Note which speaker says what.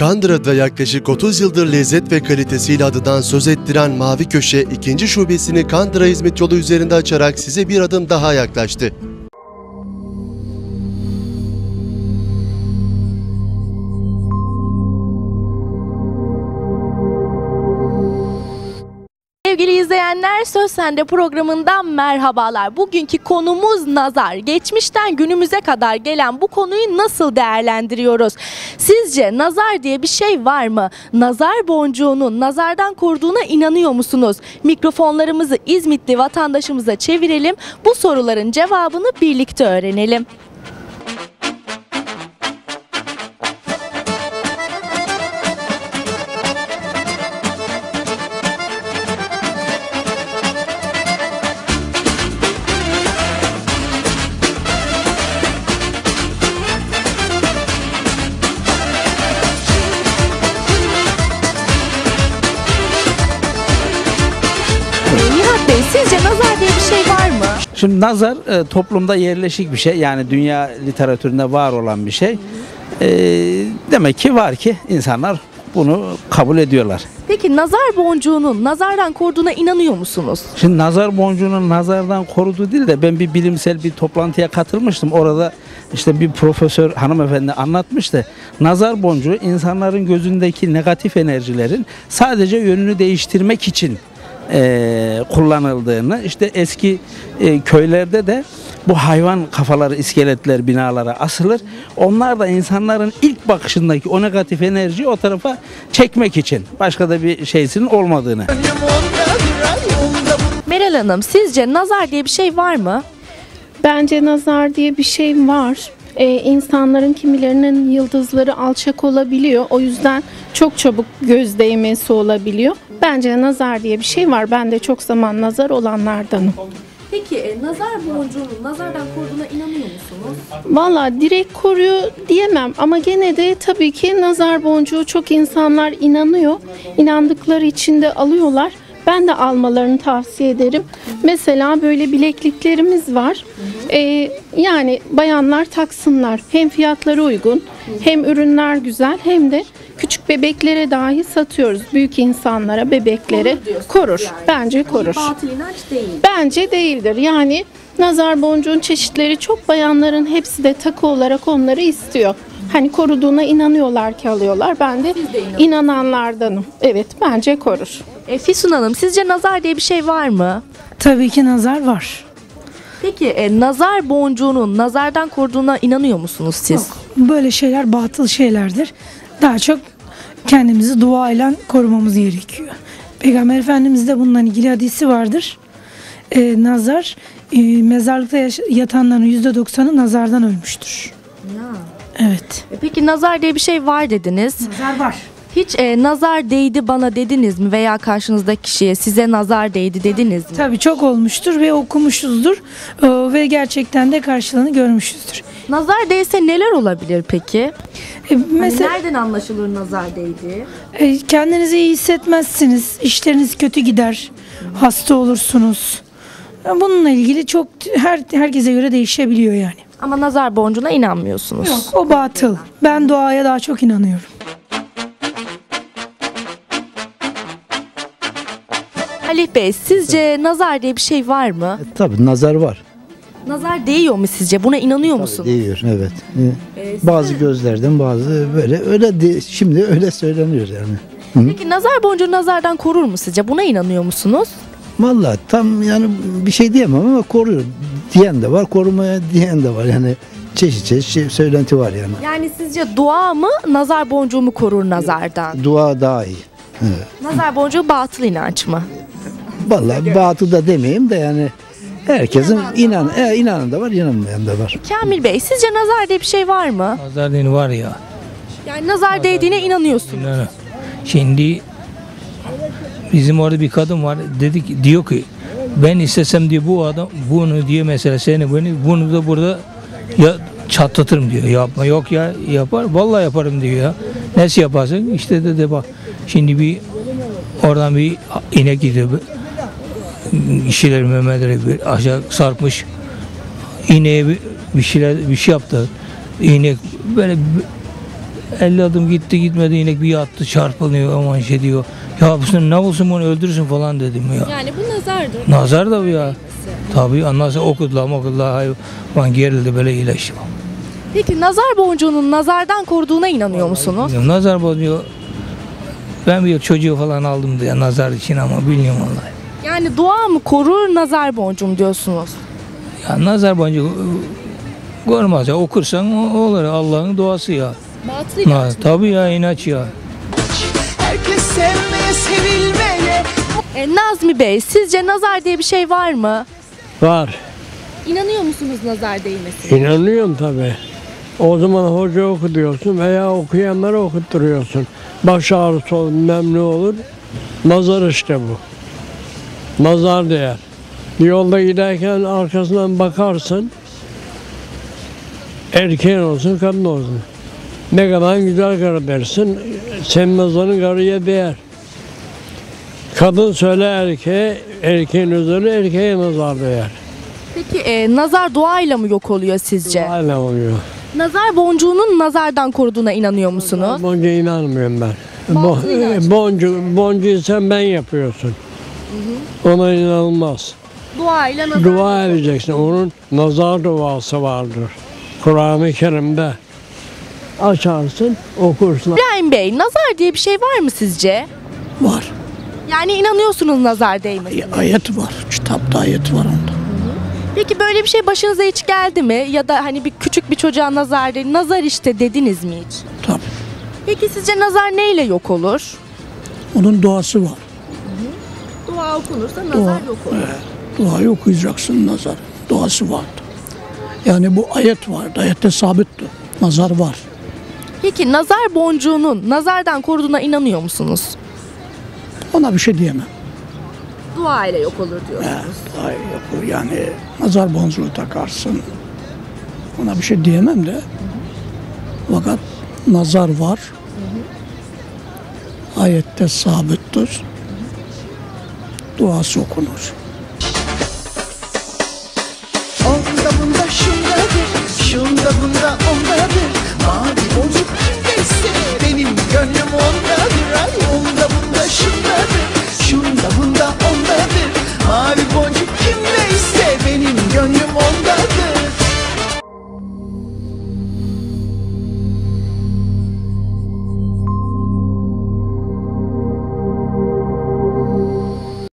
Speaker 1: Kandıra'da yaklaşık 30 yıldır lezzet ve kalitesiyle adından söz ettiren Mavi Köşe, ikinci şubesini Kandıra Hizmet Yolu üzerinde açarak size bir adım daha yaklaştı.
Speaker 2: Sevgili izleyenler, Söz Sende programından merhabalar. Bugünkü konumuz nazar. Geçmişten günümüze kadar gelen bu konuyu nasıl değerlendiriyoruz? Sizce nazar diye bir şey var mı? Nazar boncuğunun nazardan koruduğuna inanıyor musunuz? Mikrofonlarımızı İzmitli vatandaşımıza çevirelim. Bu soruların cevabını birlikte öğrenelim. Sizce nazar diye bir şey var mı?
Speaker 3: Şimdi nazar toplumda yerleşik bir şey. Yani dünya literatüründe var olan bir şey. Demek ki var ki insanlar bunu kabul ediyorlar.
Speaker 2: Peki nazar boncuğunun nazardan koruduğuna inanıyor musunuz?
Speaker 3: Şimdi nazar boncuğunun nazardan koruduğu değil de ben bir bilimsel bir toplantıya katılmıştım. Orada işte bir profesör hanımefendi anlatmıştı. Nazar boncuğu insanların gözündeki negatif enerjilerin sadece yönünü değiştirmek için kullanıldığını, işte eski köylerde de bu hayvan kafaları, iskeletler binalara asılır. Onlar da insanların ilk bakışındaki o negatif enerjiyi o tarafa çekmek için. Başka da bir şeysinin olmadığını.
Speaker 2: Meral Hanım, sizce nazar diye bir şey var mı?
Speaker 4: Bence nazar diye bir şey var. İnsanların kimilerinin yıldızları alçak olabiliyor. O yüzden çok çabuk göz değmesi olabiliyor. Bence nazar diye bir şey var. Ben de çok zaman nazar olanlardanım.
Speaker 2: Peki nazar boncuğunun nazardan koruduğuna inanıyor musunuz?
Speaker 4: Valla direkt koruyor diyemem ama gene de tabii ki nazar boncuğu çok insanlar inanıyor. İnandıkları için de alıyorlar. Ben de almalarını tavsiye ederim. Mesela böyle bilekliklerimiz var. Yani bayanlar taksınlar. Hem fiyatları uygun, hem ürünler güzel, hem de küçük bebeklere dahi satıyoruz. Büyük insanlara, bebeklere korur. Yani. Bence korur.
Speaker 2: Batıl inanç değil.
Speaker 4: Bence değildir. Yani nazar boncuğun çeşitleri çok, bayanların hepsi de takı olarak onları istiyor. Hani koruduğuna inanıyorlar ki alıyorlar. Ben de inananlardanım. Evet, bence korur.
Speaker 2: Füsun Hanım, sizce nazar diye bir şey var mı?
Speaker 5: Tabii ki nazar var.
Speaker 2: Peki nazar boncuğunun nazardan koruduğuna inanıyor musunuz siz?
Speaker 5: Yok, böyle şeyler batıl şeylerdir. Daha çok kendimizi duayla korumamız gerekiyor. Peygamber Efendimiz'de bununla ilgili hadisi vardır. Nazar, mezarlıkta yatanların %90'ı nazardan ölmüştür.
Speaker 2: Ya.
Speaker 5: Evet.
Speaker 2: Peki nazar diye bir şey var dediniz.
Speaker 5: Nazar var.
Speaker 2: Hiç nazar değdi bana dediniz mi veya karşınızdaki kişiye size nazar değdi dediniz mi?
Speaker 5: Tabii çok olmuştur ve okumuşuzdur ve gerçekten de karşılığını görmüşüzdür.
Speaker 2: Nazar değse neler olabilir peki?
Speaker 5: Mesela
Speaker 2: nereden anlaşılır nazar değdi?
Speaker 5: Kendinizi iyi hissetmezsiniz, işleriniz kötü gider, hasta olursunuz. Bununla ilgili çok herkese göre değişebiliyor yani.
Speaker 2: Ama nazar boncuğuna inanmıyorsunuz.
Speaker 5: Yok, o batıl. Ben duaya daha çok inanıyorum.
Speaker 2: Halih Bey, sizce nazar diye bir şey var mı?
Speaker 6: Tabii nazar var.
Speaker 2: Nazar değiyor mu sizce? Buna inanıyor musunuz?
Speaker 6: Değiyor, evet. Bazı gözlerden bazı öyle şimdi öyle söyleniyor yani.
Speaker 2: Peki nazar boncuğu nazardan korur mu sizce? Buna inanıyor musunuz?
Speaker 6: Vallahi tam yani bir şey diyemem ama koruyor diyen de var, korumaya diyen de var yani. Çeşit söylenti var yani.
Speaker 2: Yani sizce dua mı, nazar boncuğu mu korur nazardan?
Speaker 6: Dua daha iyi. Evet.
Speaker 2: Nazar boncuğu batıl inanç mı?
Speaker 6: Vallahi batıl da demeyeyim de yani herkesin inanan da var, inanmayan da var.
Speaker 2: Kamil Bey, sizce nazar diye bir şey var mı?
Speaker 7: Nazar dini var ya.
Speaker 2: Yani nazar değdiğine inanıyorsunuz.
Speaker 7: Şimdi bizim orada bir kadın var, diyor ki ben istesem diyor bu adam bunu diyor mesela bunu da burada ya çatlatırım diyor. Yapma, yok ya yapar, vallahi yaparım diyor ya. Nasıl yaparsın? İşte de bak şimdi oradan bir inek gidiyor. İşçiler Mehmet'e bir aşağı sarkmış. İneğe bir şey yaptı. İnek böyle 50 adım gitti gitmedi inek bir yattı çarpılıyor aman şey diyor. Ya bu sen ne olsun bunu öldürsün falan dedim ya.
Speaker 2: Yani bu nazardır.
Speaker 7: Nazar da bu ya. Tabii ondan sonra okudular hayvan gerildi böyle iyileşti.
Speaker 2: Peki nazar boncuğunun nazardan koruduğuna inanıyor musunuz?
Speaker 7: Nazar boncuğu ben bir çocuğu falan aldım diye nazar için ama bilmiyorum vallahi.
Speaker 2: Yani dua mı korur nazar boncuğum diyorsunuz?
Speaker 7: Ya nazar boncuğu korumaz ya okursan o olur Allah'ın duası ya.
Speaker 2: Batıl inanç mı?
Speaker 7: Tabii ya inanç ya.
Speaker 8: Herkes sevmeye, sevilmeye.
Speaker 2: Nazmi Bey, sizce nazar diye bir şey var mı?
Speaker 9: Var.
Speaker 2: İnanıyor musunuz nazar değmesine?
Speaker 9: İnanıyorum tabii. O zaman hoca oku diyorsun veya okuyanlara okutturuyorsun. Baş ağrısı olur, bilmem ne olur. Nazar işte bu. Nazar değer. Yolda giderken arkasından bakarsın. Erkeğin olsun, kadın olsun. Ne kadar güzel karı dersin, senin nazarın karıya değer. Kadın söyle erkeğe, erkeğin üzerine erkeğe nazar değer.
Speaker 2: Peki nazar duayla mı yok oluyor sizce?
Speaker 9: Hala oluyor.
Speaker 2: Nazar boncuğunun nazardan koruduğuna inanıyor musunuz?
Speaker 9: Boncuğa inanmıyorum ben.
Speaker 2: Batıl inanç.
Speaker 9: Boncuğu sen ben yapıyorsun. Ona inanılmaz.
Speaker 2: Duayla nazar.
Speaker 9: Dua edeceksin. Onun nazar duası vardır. Kur'an-ı Kerim'de. Açarsın, okursun.
Speaker 2: İbrahim Bey, nazar diye bir şey var mı sizce?
Speaker 10: Var.
Speaker 2: Yani inanıyorsunuz nazar değmesine.
Speaker 10: Ayet var. Kitapta ayet var onda.
Speaker 2: Peki böyle bir şey başınıza hiç geldi mi? Ya da hani bir küçük bir çocuğa nazar değil, nazar işte dediniz mi hiç?
Speaker 10: Tabii.
Speaker 2: Peki sizce nazar neyle yok olur?
Speaker 10: Onun duası var.
Speaker 2: Dua okunursa nazar yok olur.
Speaker 10: Duayı okuyacaksın nazar. Duası vardı. Yani bu ayet vardı. Ayette sabittir. Nazar var.
Speaker 2: Peki nazar boncuğunun nazardan koruduğuna inanıyor musunuz?
Speaker 10: Ona bir şey diyemem.
Speaker 2: Dua ile yok olur diyorsunuz.
Speaker 10: Ay yok yani nazar boncuğu takarsın. Ona bir şey diyemem de. Fakat nazar var. Ayette sabittir. Duası okunur.
Speaker 8: Onda bunda şundadır, şunda bunda ondadır. Mavi boncuk kimdeyse benim gönlüm ondadır. Ay onda bunda şundadır, şunda bunda ondadır. Mavi boncuk kimdeyse benim gönlüm ondadır.